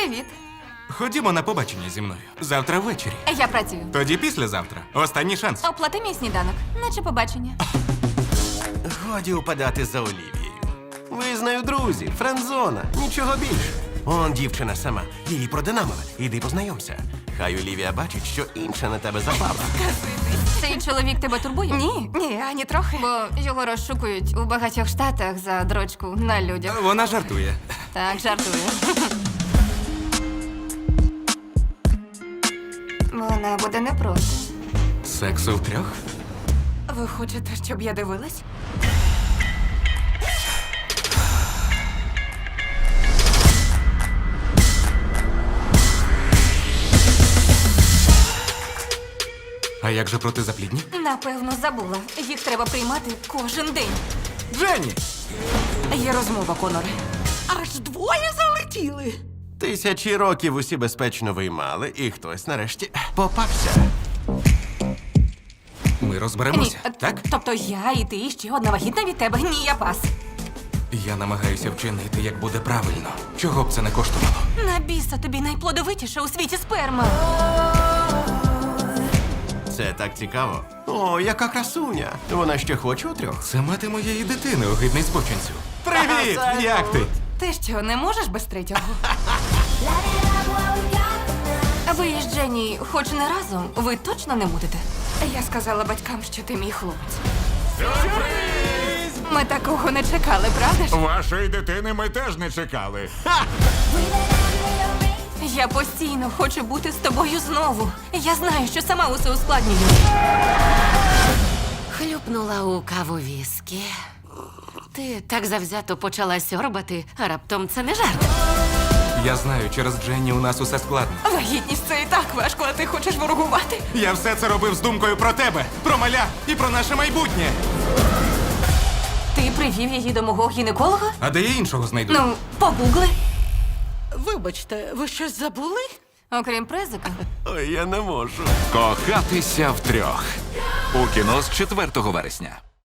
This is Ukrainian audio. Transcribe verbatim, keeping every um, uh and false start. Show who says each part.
Speaker 1: Привіт.
Speaker 2: Ходімо на побачення зі мною. Завтра ввечері.
Speaker 1: Я працюю.
Speaker 2: Тоді післязавтра. Останній шанс.
Speaker 1: Оплати мій сніданок, наче побачення.
Speaker 3: Годі упадати за Олівією. Ви з нею друзі, френдзона, нічого більше. Он дівчина сама, її продинамили. Іди познайомся. Хай Олівія бачить, що інша на тебе запала.
Speaker 1: Цей чоловік тебе турбує?
Speaker 4: Ні, ні, ані трохи.
Speaker 1: Бо його розшукують у багатьох штатах за дрочку на людях.
Speaker 2: Вона жартує.
Speaker 1: Так, жартую. Вона буде не проти.
Speaker 2: Сексу втрьох?
Speaker 4: Ви хочете, щоб я дивилась?
Speaker 2: А як же протизаплідні?
Speaker 1: Напевно, забула. Їх треба приймати кожен день.
Speaker 2: Дженні!
Speaker 4: Є розмова, Коноре. Аж двоє залетіли.
Speaker 3: Тисячі років усі безпечно виймали, і хтось нарешті попався.
Speaker 2: Ми розберемося,
Speaker 1: Ні,
Speaker 2: так?
Speaker 1: Тобто я і ти, і ще одна вагітна від тебе. Ні, я пас.
Speaker 2: Я намагаюся вчинити, як буде правильно. Чого б це не коштувало?
Speaker 1: На біса тобі найплодовитіша у світі сперма.
Speaker 3: Це так цікаво. О, яка красуня. Вона ще хоче у трьох.
Speaker 2: Це мати моєї дитини, огидний спочинцю. Привіт!
Speaker 3: Салют!
Speaker 2: Як ти?
Speaker 4: Ти що, не можеш без третього?
Speaker 1: Ви із Дженні хоч не разом, ви точно не будете?
Speaker 4: Я сказала батькам, що ти мій хлопець. Ми такого не чекали, правда ж?
Speaker 5: Вашої дитини ми теж не чекали.
Speaker 1: Я постійно хочу бути з тобою знову. Я знаю, що сама усе ускладнюю.
Speaker 6: Хлюпнула у каву віскі. Ти так завзято почала сьорбати, а раптом це не жарт.
Speaker 2: Я знаю, через Дженні у нас усе складно.
Speaker 4: Вагітність це і так важко, а ти хочеш ворогувати.
Speaker 2: Я все це робив з думкою про тебе, про маля і про наше майбутнє.
Speaker 1: Ти привів її до мого гінеколога?
Speaker 2: А де я іншого знайду?
Speaker 1: Ну, погугли.
Speaker 4: Вибачте, ви щось забули?
Speaker 1: Окрім презика.
Speaker 3: Ой, я не можу.
Speaker 5: Кохатися втрьох. У кіно з четвертого вересня.